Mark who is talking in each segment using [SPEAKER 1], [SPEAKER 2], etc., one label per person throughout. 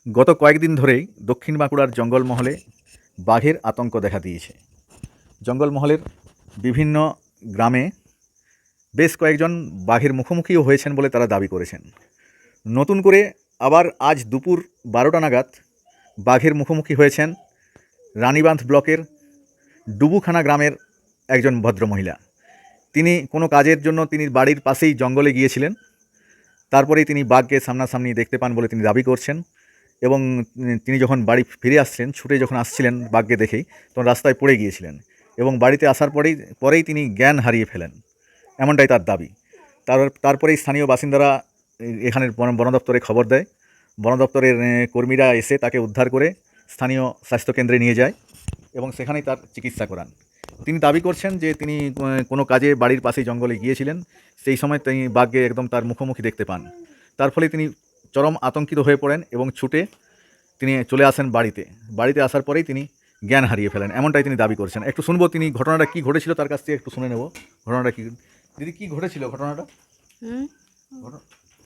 [SPEAKER 1] গত কয়েকদিন ধরেই দক্ষিণ বাঁকুড়ার জঙ্গলমহলে বাঘের আতঙ্ক দেখা দিয়েছে। জঙ্গলমহলের বিভিন্ন গ্রামে বেশ কয়েকজন বাঘের মুখোমুখিও হয়েছেন বলে তারা দাবি করেছেন। নতুন করে আবার আজ দুপুর 12টা নাগাদ বাঘের মুখোমুখি হয়েছেন রানীবাঁধ ব্লকের ডুবুখানা গ্রামের একজন ভদ্রমহিলা। তিনি কোনো কাজের জন্য তিনি বাড়ির পাশেই জঙ্গলে গিয়েছিলেন। তারপরেই তিনি বাঘকে সামনাসামনি দেখতে পান বলে তিনি দাবি করছেন। এবং তিনি যখন বাড়ি ফিরে আসছেন, ছুটে যখন আসছিলেন বাঘকে দেখেই, তখন রাস্তায় পড়ে গিয়েছিলেন এবং বাড়িতে আসার পরেই তিনি জ্ঞান হারিয়ে ফেলেন, এমনটাই তার দাবি। তারপরেই স্থানীয় বাসিন্দারা এখানের বন দপ্তরে খবর দেয়। বন দপ্তরের কর্মীরা এসে তাকে উদ্ধার করে স্থানীয় স্বাস্থ্যকেন্দ্রে নিয়ে যায় এবং সেখানেই তার চিকিৎসা করান। তিনি দাবি করছেন যে তিনি কোনো কাজে বাড়ির পাশেই জঙ্গলে গিয়েছিলেন, সেই সময় তিনি বাঘকে একদম তার মুখোমুখি দেখতে পান। তার ফলে তিনি চরম আতঙ্কিত হয়ে পড়েন এবং ছুটে তিনি চলে আসেন বাড়িতে আসার পরেই তিনি জ্ঞান হারিয়ে ফেলেন, এমনটাই তিনি দাবি করছেন। একটু শুনবো তিনি ঘটনাটা কী ঘটেছিল তার কাছ থেকে একটু শুনে নেব। ঘটনাটা কী দিদি, কী ঘটেছিল ঘটনাটা?
[SPEAKER 2] হুম
[SPEAKER 1] ঘটনা-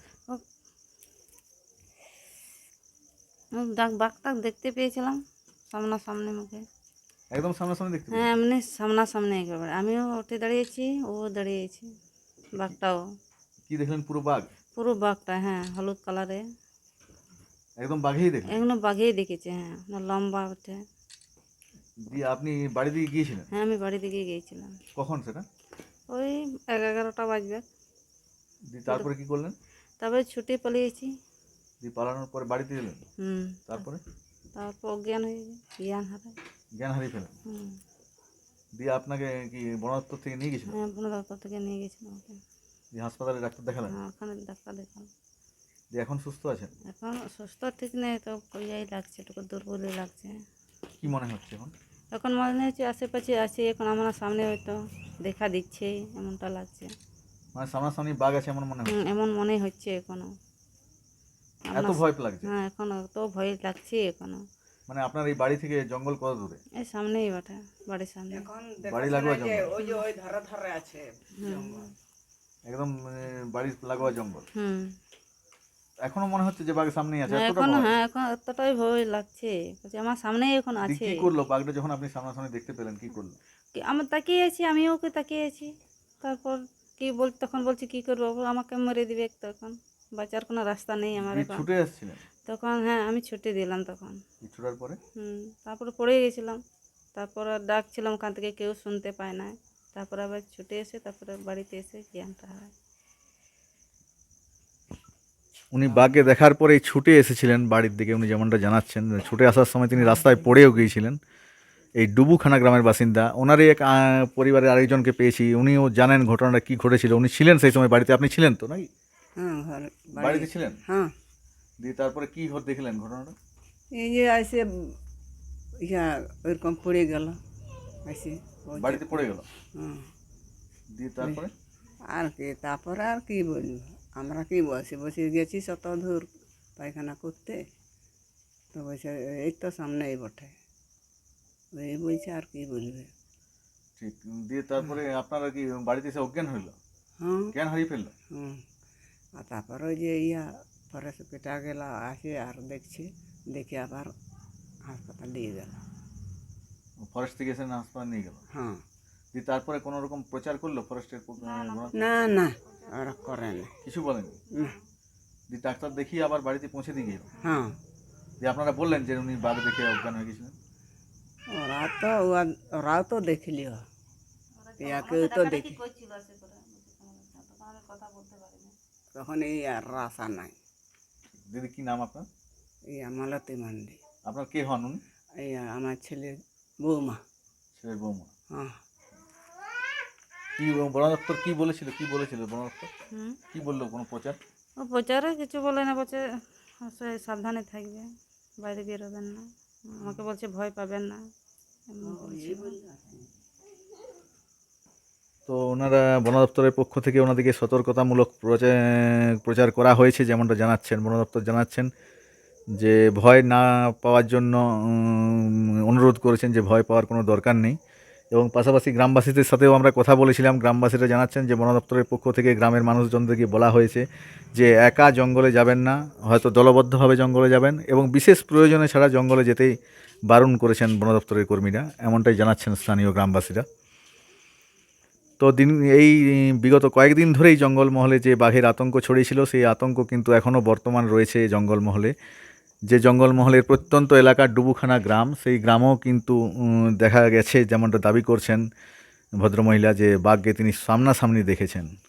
[SPEAKER 2] বাঘটাক দেখতে পেয়েছিলাম সামনাসামনি মুখে।
[SPEAKER 1] একদম সামনাসামনি দেখতে
[SPEAKER 2] হ্যাঁ, এমনি সামনাসামনি একেবারে। আমিও উঠে দাঁড়িয়েছি, ও দাঁড়িয়েছি। বাঘটাও
[SPEAKER 1] কি দেখলেন? পুরো বাঘ?
[SPEAKER 2] পুরো বাঘটা, হ্যাঁ, হলুদ কালারে।
[SPEAKER 1] একদম বাঘেই দেখলেন?
[SPEAKER 2] এখনো বাঘেই দেখেছে, হ্যাঁ, না লম্বা ওঠে।
[SPEAKER 1] দিয়ে আপনি বাড়ি দিয়ে গিয়েছিলেন?
[SPEAKER 2] হ্যাঁ, আমি বাড়ি দিকে গিয়েছিলাম।
[SPEAKER 1] কখন সেটা?
[SPEAKER 2] ওই 11টা বাজবে।
[SPEAKER 1] দিয়ে তারপরে কি করলেন?
[SPEAKER 2] তারপরে ছুটে পালিয়েছি।
[SPEAKER 1] দিয়ে পালানোর পরে বাড়িতে এলেন?
[SPEAKER 2] হুম
[SPEAKER 1] তারপরে
[SPEAKER 2] তারপর অজ্ঞান হয়ে যায়, জ্ঞান হারায়।
[SPEAKER 1] জ্ঞান হারিয়ে ফেলেন?
[SPEAKER 2] হুম
[SPEAKER 1] দিয়ে আপনাকে কি বন দপ্তর থেকে নিয়ে গেছিলেন?
[SPEAKER 2] হ্যাঁ, বন দপ্তর থেকে নিয়ে গেছিলাম ওকে।
[SPEAKER 1] দিয়ে হাসপাতালে ডাক্তার দেখালেন?
[SPEAKER 2] হ্যাঁ, ওখানে ডাক্তার দেখালাম।
[SPEAKER 1] দিয়ে এখন সুস্থ আছেন?
[SPEAKER 2] এখন সুস্থ ঠিক নেই তো, ইয়েই লাগছে, একটু দুর্বলই লাগছে।
[SPEAKER 1] কি মনে হচ্ছে এখন?
[SPEAKER 2] এখন মনে হচ্ছে আশেপাশে আছে, এখন আমার সামনে হয়তো দেখা দিচ্ছে, এমনটা লাগছে।
[SPEAKER 1] মানে সামনাসামনি বাঘ আছে এমন মনে হচ্ছে?
[SPEAKER 2] এমন মনে হচ্ছে এখনো।
[SPEAKER 1] এত ভয় লাগছে?
[SPEAKER 2] হ্যাঁ, এখনো তো ভয় লাগছে এখনো।
[SPEAKER 1] মানে আপনার এই বাড়ি থেকে জঙ্গল কত দূরে?
[SPEAKER 2] এই সামনেই বাটা, বাড়ির সামনে।
[SPEAKER 1] বাড়ি লাগোয়া জঙ্গল?
[SPEAKER 3] ওই ধারে ধারে আছে জঙ্গল।
[SPEAKER 1] একদম বাড়ির লাগোয়া জঙ্গল?
[SPEAKER 2] হুম
[SPEAKER 1] এখনো মনে হচ্ছে যে বাঘ সামনেই আছে?
[SPEAKER 2] হ্যাঁ,
[SPEAKER 1] এতটা
[SPEAKER 2] এখন,
[SPEAKER 1] ভয়?
[SPEAKER 2] হ্যাঁ, এখন এতটাই ভয় লাগছে, বলছে আমার সামনেই এখন
[SPEAKER 1] দিয়ে
[SPEAKER 2] আছে।
[SPEAKER 1] কি করলো বাঘটা যখন আপনি সামনাসামনি দেখতে পেলেন, কি করলো?
[SPEAKER 2] আমার তাকিয়ে আছি, আমিও ওকে তাকিয়ে আছি। তারপর তখন বলছি কি করবো, ও আমাকে মেরে দিবে তখন, বাঁচার কোনো রাস্তা নেই আমার
[SPEAKER 1] দিয়ে
[SPEAKER 2] এখন।
[SPEAKER 1] ছুটে আসছিলেন?
[SPEAKER 2] তখন হ্যাঁ, আমি ছুটি দিলাম তখন।
[SPEAKER 1] ছুটার পরে?
[SPEAKER 2] তারপরে পড়ে গেছিলাম। তারপর আর ডাকছিলাম ওখান থেকে, কেউ শুনতে পায় না। তারপরে আবার ছুটে এসে তারপরে বাড়িতে এসে জ্ঞানটা হয়।
[SPEAKER 1] উনি বাঘকে দেখার পরেই ছুটে এসেছিলেন বাড়ির দিকে, উনি যেমনটা জানাচ্ছেন। ছুটে আসার সময় তিনি রাস্তায় পড়েও গিয়েছিলেন। এই ডুবুখানা গ্রামের বাসিন্দা, ওনারই এক পরিবারের আরেকজনকে পেয়েছি, উনিও জানেন ঘটনাটা কী ঘটেছিল। উনি ছিলেন সেই সময় বাড়িতে? আপনি ছিলেন তো নাকি?
[SPEAKER 3] হ্যাঁ,
[SPEAKER 1] বাড়িতে ছিলেন?
[SPEAKER 3] হ্যাঁ,
[SPEAKER 1] দিয়ে তারপরে কী দেখলেন ঘটনাটা?
[SPEAKER 3] এই যে আসে ওইরকম পড়ে গেল আসে।
[SPEAKER 1] বাড়িতে পড়ে গেল?
[SPEAKER 3] হ্যাঁ,
[SPEAKER 1] দিয়ে তারপরে?
[SPEAKER 3] তারপরে আর কি বলবো, আমরা কি বসে বসে গেছি শত দূর পায়খানা করতে, তো বলছে এই তো সামনেই বটে, এই বলছে আর কি বলবে।
[SPEAKER 1] ঠিক। দিয়ে তারপরে আপনারা কি বাড়িতে এসে অজ্ঞান হইল?
[SPEAKER 3] হ্যাঁ,
[SPEAKER 1] জ্ঞান হারিয়ে ফেললো?
[SPEAKER 3] হুম। আর তারপরে ওই যে পরে পেটা গেল, আসে আর দেখছি, দেখে আবার হাসপাতাল নিয়ে গেল।
[SPEAKER 1] ফরেস্ট থেকে এসে হাসপাতাল নিয়ে গেল?
[SPEAKER 3] হ্যাঁ,
[SPEAKER 1] দিয়ে তারপরে কোনো রকম প্রচার করলো ফরেস্টের?
[SPEAKER 3] না না, ওরা করে না।
[SPEAKER 1] কিছু বলেনি?
[SPEAKER 3] না।
[SPEAKER 1] দিয়ে ডাক্তার দেখিয়ে আবার বাড়িতে পৌঁছে দিয়ে গেল?
[SPEAKER 3] হ্যাঁ,
[SPEAKER 1] দিয়ে আপনারা বললেন যে উনি বাঘ দেখে অজ্ঞান হয়ে গেছিলেন?
[SPEAKER 3] ওরাও তো দেখলিও, কেউ তো দেখি, তখন এই আর রাশা নাই।
[SPEAKER 1] দিদি, কি নাম আপনার?
[SPEAKER 3] এই মালতী মান্ডি।
[SPEAKER 1] আপনার কে হন উনি?
[SPEAKER 3] এই আমার ছেলে বৌমা।
[SPEAKER 1] ছেলের বৌমা?
[SPEAKER 3] হ্যাঁ,
[SPEAKER 1] কি বন দপ্তর কি বলেছিল বন দপ্তর কি বললো? কোনো প্রচার?
[SPEAKER 2] ও প্রচারে কিছু বলে না, বলছে সাবধানে থাকবে, বাইরে বেরোবেন না। আমাকে বলছে ভয় পাবেন না, এমন বলছে।
[SPEAKER 1] তো ওনারা বন দপ্তরের পক্ষ থেকে ওনাদেরকে সতর্কতামূলক প্রচার করা হয়েছে, যেমনটা জানাচ্ছেন বন দপ্তর জানাচ্ছেন যে ভয় না পাওয়ার জন্য অনুরোধ করেছেন যে ভয় পাওয়ার কোনো দরকার নেই। এবং পাশাপাশি গ্রামবাসীদের সাথেও আমরা কথা বলেছিলাম। গ্রামবাসীরা জানাচ্ছেন যে বন দপ্তরের পক্ষ থেকে গ্রামের মানুষজনদেরকে বলা হয়েছে যে একা জঙ্গলে যাবেন না, হয়তো দলবদ্ধভাবে জঙ্গলে যাবেন এবং বিশেষ প্রয়োজনে ছাড়া জঙ্গলে যেতেই বারণ করেছেন বন দপ্তরের কর্মীরা, এমনটাই জানাচ্ছেন স্থানীয় গ্রামবাসীরা। তো এই বিগত কয়েকদিন ধরেই জঙ্গলমহলে যে বাঘের আতঙ্ক ছড়িয়েছিল, সেই আতঙ্ক কিন্তু এখনও বর্তমান রয়েছে জঙ্গলমহলে। যে জঙ্গলমহলের প্রত্যন্ত এলাকার ডুবুখানা গ্রাম, সেই গ্রামও কিন্তু দেখা গেছে যেমনটা দাবি করছেন ভদ্রমহিলা যে বাঘকে তিনি সামনাসামনি দেখেছেন।